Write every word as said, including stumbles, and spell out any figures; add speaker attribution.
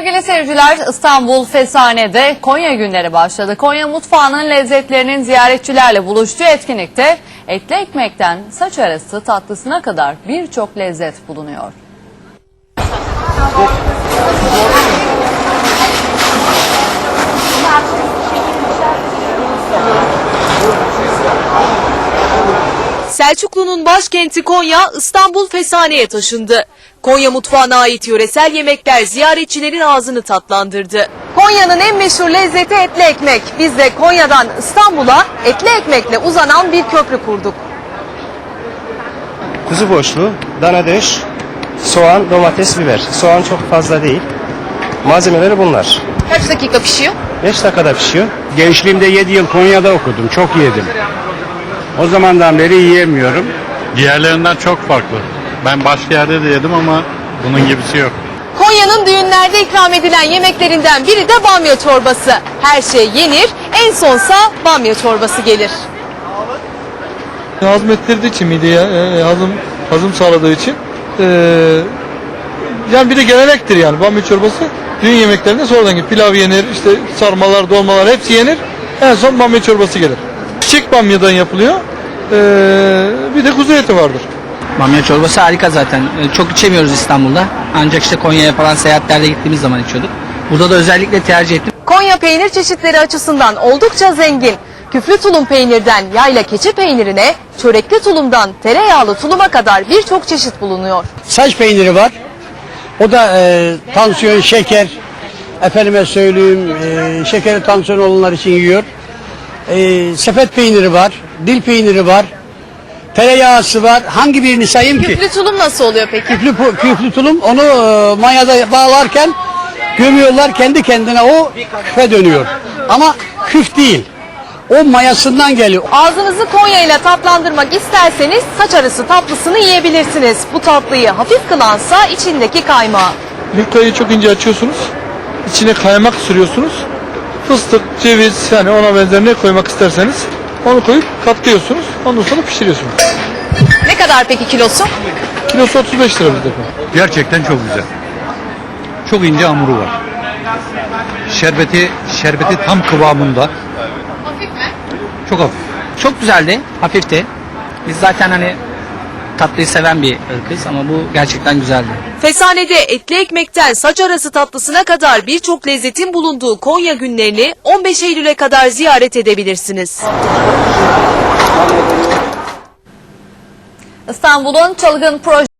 Speaker 1: Sevgili seyirciler, İstanbul Fesane'de Konya günleri başladı. Konya mutfağının lezzetlerinin ziyaretçilerle buluştuğu etkinlikte etli ekmekten saç arası tatlısına kadar birçok lezzet bulunuyor.
Speaker 2: Selçuklu'nun başkenti Konya, İstanbul Fesane'ye taşındı. Konya mutfağına ait yöresel yemekler ziyaretçilerin ağzını tatlandırdı. Konya'nın en meşhur lezzeti etli ekmek. Biz de Konya'dan İstanbul'a etli ekmekle uzanan bir köprü kurduk.
Speaker 3: Kuzu boşluğu, dana döş, soğan, domates, biber. Soğan çok fazla değil. Malzemeleri bunlar.
Speaker 2: Kaç dakika pişiyor?
Speaker 3: beş dakikada pişiyor.
Speaker 4: Gençliğimde yedi yıl Konya'da okudum. Çok yedim. O zamandan beri yiyemiyorum.
Speaker 5: Diğerlerinden çok farklı. Ben başka yerde de yedim ama bunun gibisi yok.
Speaker 2: Konya'nın düğünlerde ikram edilen yemeklerinden biri de bamya çorbası. Her şey yenir, en sonsa bamya çorbası gelir.
Speaker 6: Hazmettirdiği için mideye e, hazım hazım sağladığı için e, yani bir de gelenektir yani bamya çorbası düğün yemeklerinde sonradan gelir. Pilav yenir, işte sarmalar, dolmalar hepsi yenir. En son bamya çorbası gelir. Çiçek bamyadan yapılıyor. E, bir de kuzu eti vardır.
Speaker 7: Bamya çorbası harika zaten. Çok içemiyoruz İstanbul'da. Ancak işte Konya'ya falan seyahatlerde gittiğimiz zaman içiyorduk. Burada da özellikle tercih ettim.
Speaker 2: Konya peynir çeşitleri açısından oldukça zengin. Küflü tulum peynirden yayla keçi peynirine, çörekli tulumdan tereyağlı tuluma kadar birçok çeşit bulunuyor.
Speaker 8: Saç peyniri var. O da e, tansiyon, şeker, efendime söyleyeyim, e, şekeri tansiyon olanlar için yiyor. E, sepet peyniri var, dil peyniri var, tereyağısı var. Hangi birini sayayım ki?
Speaker 2: Küflü tulum nasıl oluyor peki?
Speaker 8: Küflü, küflü tulum onu e, manyada bağlarken gömüyorlar, kendi kendine o küfe dönüyor. Ama küf değil. O mayasından geliyor.
Speaker 2: Ağzınızı Konya ile tatlandırmak isterseniz saç arası tatlısını yiyebilirsiniz. Bu tatlıyı hafif kılansa içindeki kaymağı.
Speaker 6: Yufkayı çok ince açıyorsunuz. İçine kaymak sürüyorsunuz. Fıstık, ceviz yani ona benzer ne koymak isterseniz onu koyup katlıyorsunuz. Ondan sonra pişiriyorsunuz.
Speaker 2: Ne kadar peki kilosu?
Speaker 6: Kilosu otuz beş lira bizde.
Speaker 9: Gerçekten çok güzel. Çok ince hamuru var. Şerbeti şerbeti tam kıvamında.
Speaker 2: Hafif mi?
Speaker 9: Çok hafif.
Speaker 7: Çok güzeldi, hafifti. Biz zaten hani tatlıyı seven bir ırkız ama bu gerçekten güzeldi.
Speaker 2: Fesane'de etli ekmekten saç arası tatlısına kadar birçok lezzetin bulunduğu Konya günlerini on beş Eylül'e kadar ziyaret edebilirsiniz.
Speaker 1: İstanbul'un çılgın proje